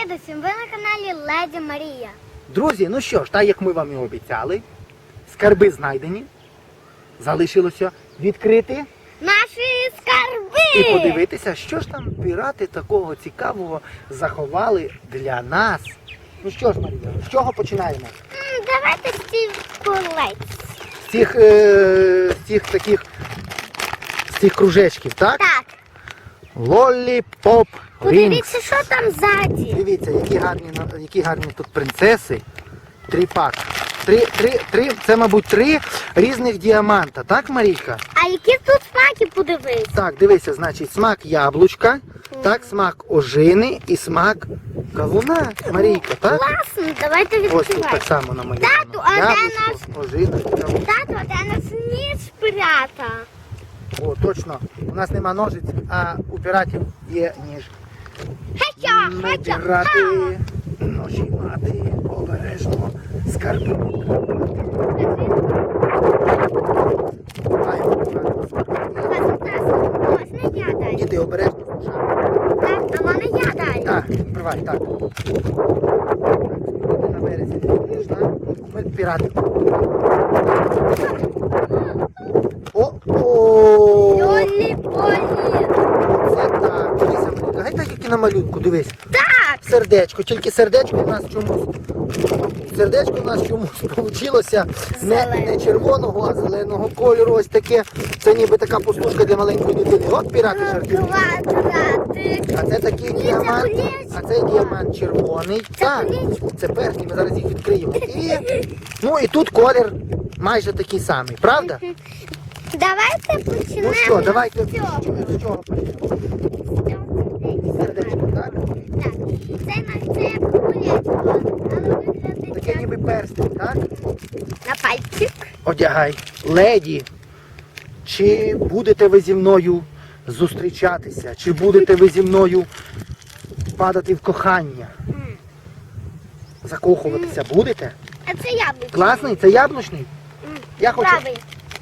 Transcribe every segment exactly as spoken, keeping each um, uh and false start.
Привіт усім! Ви на каналі Леді Марія. Друзі, ну що ж, так як ми вам і обіцяли, скарби знайдені. Залишилося відкрити Наші скарби! і подивитися, що ж там пірати такого цікавого заховали для нас. Ну що ж, Марія, з чого починаємо? М, Давайте з цих колець. З цих, е, з цих таких, з цих кружечків, так? Так, Лолліпоп Рінгс. подивіться, що там ззаді. Дивіться, які гарні, на- які гарні тут принцеси. Три пак. Три, три, три, це, мабуть, три різних діаманта, так, Марійка? А які тут смаки, подивись? Так, дивися, значить, смак яблучка, так, смак ожини і смак кавуна, Марійка, так? Класно, давайте Ось тут відкривати. так само намалювано. Тату, а де Яблучко, ожина і кавун. Тато, де нас ніж пірата? О, точно, у нас нема ножиць, а у піратів є ніж. Хача, Ми хача, пірати, ха! ножі мати, обережно, скарби. Маємо брати скарби. Ось не я дай. Діти, обережно слушаємо. Так, а мене я дай. Так, відкривай, так. Ти на березі не будеш, так? Ми пірати. О-о! Лолі-полі. Це так. Дивися, Марійка, гай так, як і на малюнку, дивись. Так, Сердечко, тільки сердечко у нас чомусь. Сердечко у нас чомусь вийшло не, не червоного, а зеленого кольору. Ось таке. Це ніби така пустушка для маленької дитини. От пірати жартують. квадратик. А це такий Ні, це діамант, колечко. а це діамант червоний. Так, це перший, ми зараз їх відкриємо. І, ну і тут колір майже такий самий, правда? Давайте почнемо. Ну що, давайте з цього. з чого почнемо? Сердечко, так? Так, це на це колечко, але виглядить Таке як ніби перстень, так? на пальчик. Одягай. Леді, чи будете ви зі мною зустрічатися? Чи будете ви зі мною падати в кохання? М. Закохуватися будете? А це яблучко. Класний? Це яблучний? М, Я хочу. Правий.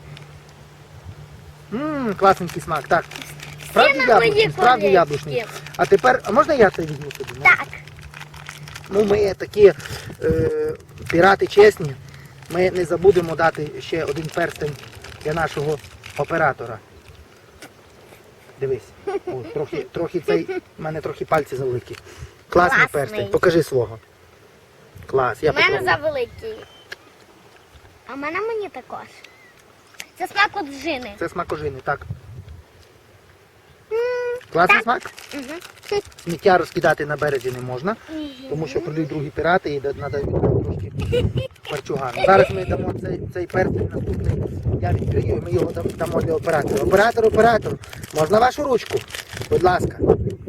Ммм, класненький смак, так. Справді на яблучний, мої справді колечки. яблучний. А тепер, а можна я це візьму собі? Ну? Так. Ну, ми такі е, пірати чесні. Ми не забудемо дати ще один перстень для нашого оператора. Дивись. О, трохи, трохи цей, в мене трохи пальці завеликі. Класний Класний. перстень. Покажи свого. Клас, я У мене попробую. завеликий. А в мене мені також. Це смак от жини. Це смак ожини, так. М, Класний так. смак? Мгм. Сміття розкидати на березі не можна, Мгм. тому що прийдуть другі пірати і треба трошки парчугану. Зараз ми дамо цей, цей перстень наступний. Я відкрию і ми його дам- дамо для оператора. Оператор, оператор, можна вашу ручку? Будь ласка.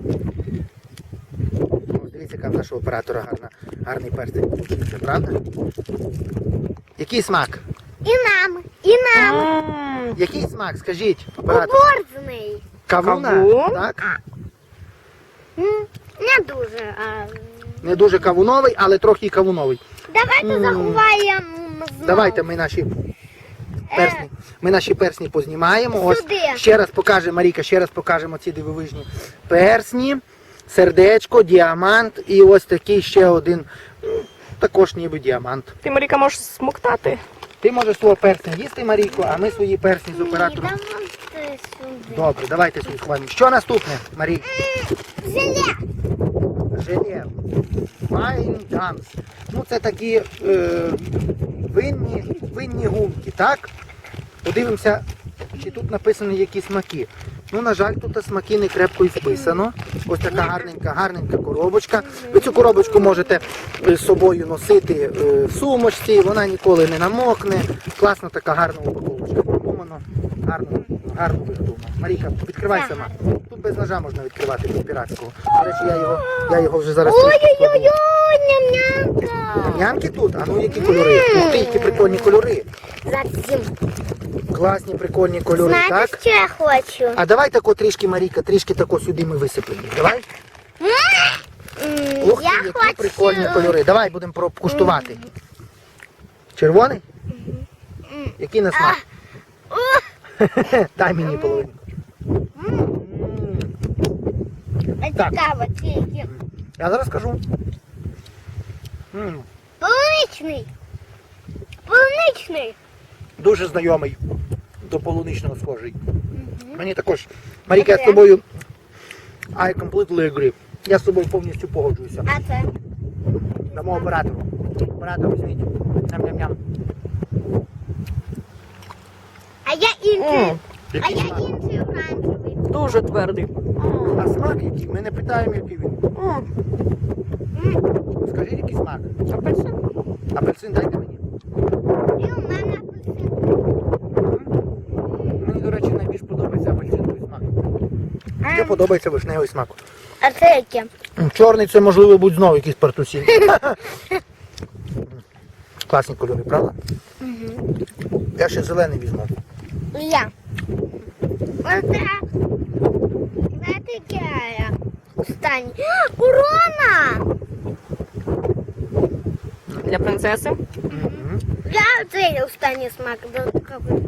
Ось дивіться, яка в нашого оператора гарна, гарний перстень получився, правда? Який смак? І нам, і нам. Який смак? Скажіть, оператор. Оборзний. Кавуна, Кавун? так? М, Не дуже. А... Не дуже кавуновий, але трохи і кавуновий. Давайте М. заховаємо знову. Давайте ми наші персні, ми наші персні познімаємо. Ось Сюди. ще раз покаже Марійка, ще раз покажемо ці дивовижні персні, сердечко, діамант і ось такий ще один, м, також ніби діамант. Ти, Маріка, можеш смоктати. Ти можеш свого персня їсти, Марійко, а ми свої персні з Ні, оператором. давайте сюди. Добре, давайте свої хвалимо. Що наступне, Марій? Желе. Желе. Wine Gums. Ну це такі е, винні, винні гумки, так? Подивимося, чи тут написано які смаки. Ну, на жаль, тут смаки не крепко і вписано. Ось така гарненька, гарненька коробочка. Ви цю коробочку можете е, з собою носити е, в сумочці, вона ніколи не намокне. Класна така гарна упаковочка. Продумано, гарно, гарно виготовлено. Марійка, відкривай сама. Тут без ножа можна відкривати, без піратського. До речі, я його, я його вже зараз трішки складу. Ой-ой-ой, ням-нямка. Нямки тут? А ну які кольори? Ух ти, які прикольні кольори. Зараз зім. Класні прикольні кольори, Знаєте, так? що я хочу? А давай тако трішки, Марійка, трішки тако сюди ми висипемо. Давай. М, Ух ти, я які хочу... прикольні кольори. Давай будемо покуштувати. Червоний? М. Який на смак? Ух, Дай мені половину. а Так. цікаво, ці які. Я зараз скажу. М, Полуничний. Полуничний. Дуже знайомий. До полуничного схожий. Мені також. Маріка, я з тобою. I completely agree. Я з тобою повністю погоджуюся. А це? Дамо оператору. Оператор візьміть. Ням-ням-ням. А я інший. М, А Який я смак? інший оранжевий. Дуже твердий. А смак який? Ми не питаємо, який він. М, Скажіть, який смак. Апельсин. Апельсин дайте мені. І у мене апельсин. Мені, до речі, найбільш подобається апельсиновий смак. Мені Ем, подобається вишневий смак. А це яке? М, Чорний це, можливо, будь знову якийсь партусін. Класні кольори, правда? Я ще зелений візьму. І я. Оце. Знаєте, яке я? Останній. Корона! Для принцеси. Мгм. Я цей останній смак додатковий.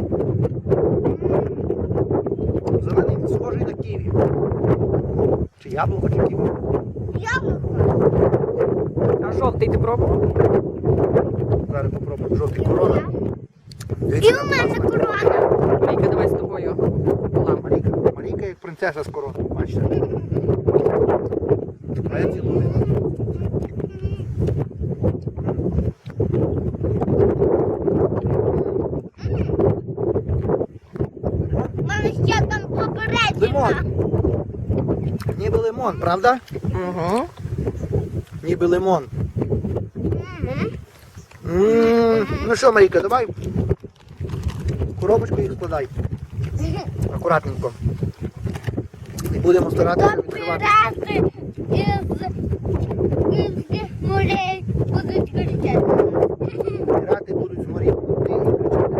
Зелений схожий на ківі. Чи яблуко, чи ківі. Яблуко. А жовтий ти пробував? Зараз попробуємо жовтий корона. І Дивіться, у мене класна. корона. Марійка, давай з тобою. пополам. Марійка, Марійка як принцеса з короною, бачите? А я цілую. У мене ще там попередньо. Лимон. Ніби лимон, правда? Угу. Ніби лимон. Мгм. М, Ну що, Марійка, давай в коробочку їх складай. Акуратненько. І будемо старатися То відкривати. пірати із, із морей будуть кричати. Пірати будуть з морів плити і кричати.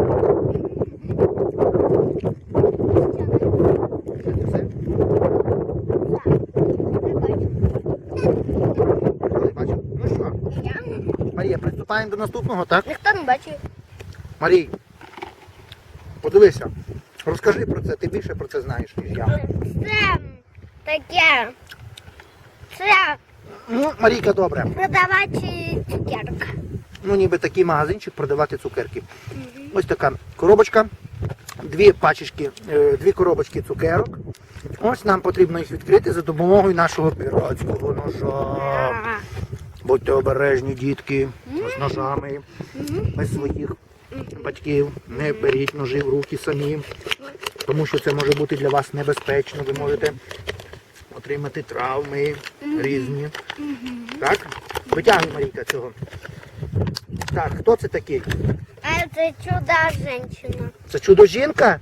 Це все? Ой, бачу. Ну що, Марія, приступаємо до наступного, так? Ніхто не бачив. Марій, подивися, розкажи про це, ти більше про це знаєш, ніж я. Це таке. Це Ну, Марійка, добре. продавати цукерок. Ну, ніби такий магазинчик продавати цукерки. Ось така коробочка, дві пачечки, е, дві коробочки цукерок. Ось нам потрібно їх відкрити за допомогою нашого піратського ножа. Будьте обережні, дітки, з ножами, без своїх батьків. Не беріть ножі в руки самі, тому що це може бути для вас небезпечно. Ви можете отримати травми різні. Так? Витягуй, Марійка, цього. Так, хто це такий? А це чуда жінка. Це чудо-жінка?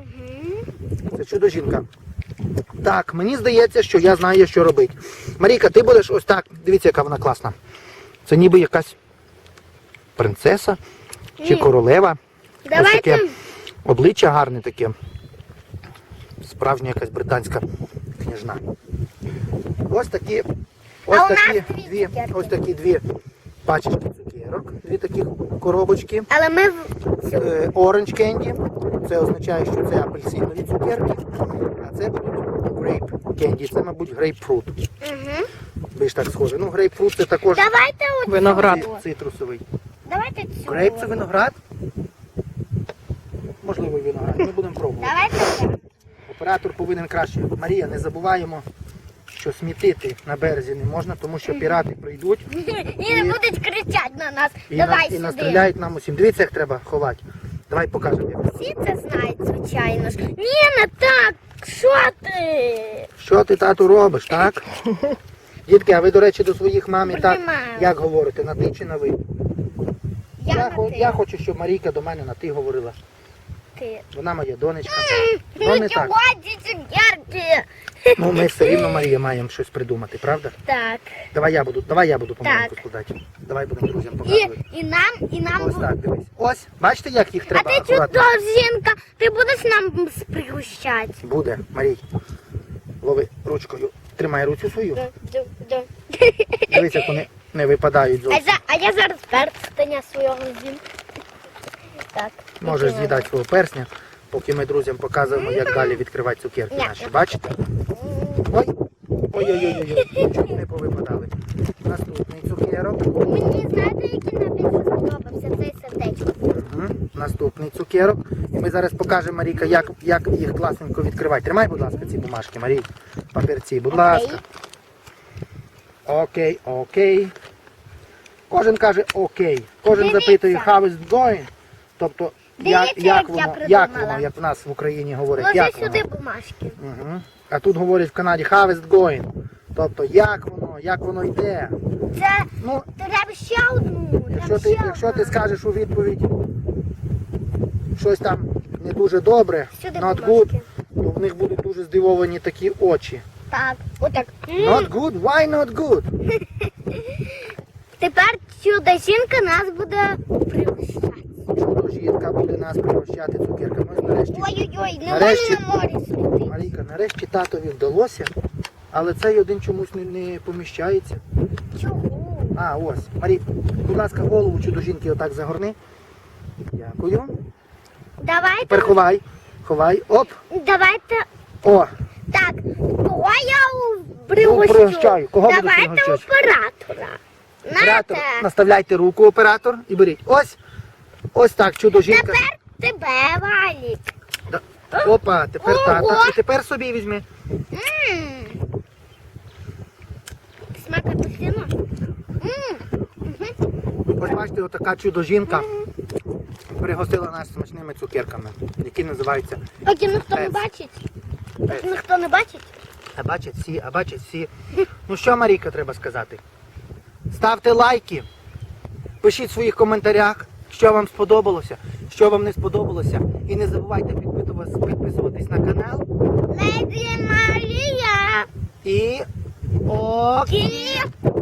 Це чудо-жінка. Так, мені здається, що я знаю, що робити. Марійка, ти будеш ось так. Дивіться, яка вона класна. Це ніби якась принцеса чи Ні. королева. Ось Давайте. таке обличчя гарне таке. Справжня якась британська княжна. Ось такі, ось А у нас такі дві дві, цукерки. ось такі дві пачечки цукерок, дві такі коробочки. Але ми в цю. Е, Orange Candy. Це означає, що це апельсинові цукерки. А це будуть Grape Candy. Це, мабуть, грейпфрут. Угу. Більш так схоже. Ну, грейпфрут це також Давайте оцю. Виноград. ци- цитрусовий. Давайте цю. Грейп це виноград? Можливо, і виноград. Ми будемо пробувати. Давайте цю. Оператор повинен краще. Марія, не забуваємо, що смітити на березі не можна, тому що пірати прийдуть І не будуть кричати на нас. і, Давай на, і сюди. настріляють нам усім. Дивіться, як треба ховати. Давай покажемо. Як. Всі це знають, звичайно ж. Ні, не так. Що ти? Що ти, тату, робиш, так? Дітки, а ви, до речі, до своїх мам і так, Приймаю. як говорите, на ти чи на ви? Я, Я, на хо- ти. я хочу, щоб Марійка до мене на ти говорила. Ти. Вона моя донечка. Ну Ну, не так. чого ці цукерки? Ну, ми все рівно, Марія, маємо щось придумати, правда? Так. Давай я буду, давай я буду помаленьку Так. складати. Давай будемо друзям І, показувати. і нам, і нам. Ось бу- так, дивись. Ось, бачите, як їх А треба ти акуратно? чудо, жінка, ти будеш нам пригощати. Буде, Марій. Лови ручкою. Тримай руцю свою. Да, да, да. Дивись, як вони не випадають А, зовсім. за, а я зараз перстеня свого з'їм. Так. Можеш Іди, з'їдати свого персня, поки ми друзям показуємо, як далі відкривати цукерки Ні. наші. Бачите? Ой, ой-ой-ой, чуть не повипадали. цукерок. І ми зараз покажемо, Марійка, як, як їх класненько відкривати. Тримай, будь ласка, ці бумажки, Марій. Папірці, будь ласка. Окей, окей. Кожен каже окей. Кожен Дивіться. запитує how is it going. Тобто, як, Дивіться, як як, я воно, як придумала. воно, як в нас в Україні говорять. Ложи Як сюди воно. бумажки. Угу. А тут говорять в Канаді how is it going. Тобто, як воно, як воно йде. Це Ну, треба ще одну. якщо Треба ти, ще якщо ти одна. скажеш у відповідь щось там не дуже добре, Сюди not бумажки. good, то в них будуть дуже здивовані такі очі. Так, отак. Not good? Why not good? Тепер чудо жінка нас буде пригощати. Чудо жінка буде нас пригощати цукерками. Ось нарешті, Ой-ой-ой, не Нарешті- можна на морі сміти. Марійка, нарешті татові вдалося, але цей один чомусь не, не поміщається. Чого? А, ось. Марій, будь ласка, голову чудо жінки отак загорни. Дякую. Давайте, Тепер ховай. Ховай. Оп. давайте, О, так, кого я пригощу? пригощаю. Кого будеш Давайте пригощати? оператора. оператор, Нате. наставляйте руку, оператор, і беріть. Ось. Ось так, чудо жінка. Тепер тебе, Валік. Да. Опа, тепер Ого. тата. І тепер собі візьми. Ммм. Смак апельсину? Ммм. Ось бачите, отака чудо жінка пригостила нас смачними цукерками, які називаються. Поки ніхто не Пец. бачить. Пец. Поки ніхто не бачить. А бачать всі, а бачать всі. Ну що, Марійка, треба сказати? Ставте лайки, пишіть в своїх коментарях, що вам сподобалося, що вам не сподобалося. І не забувайте підписуватись, підписуватись на канал. Леді Марія. І... О! Київ.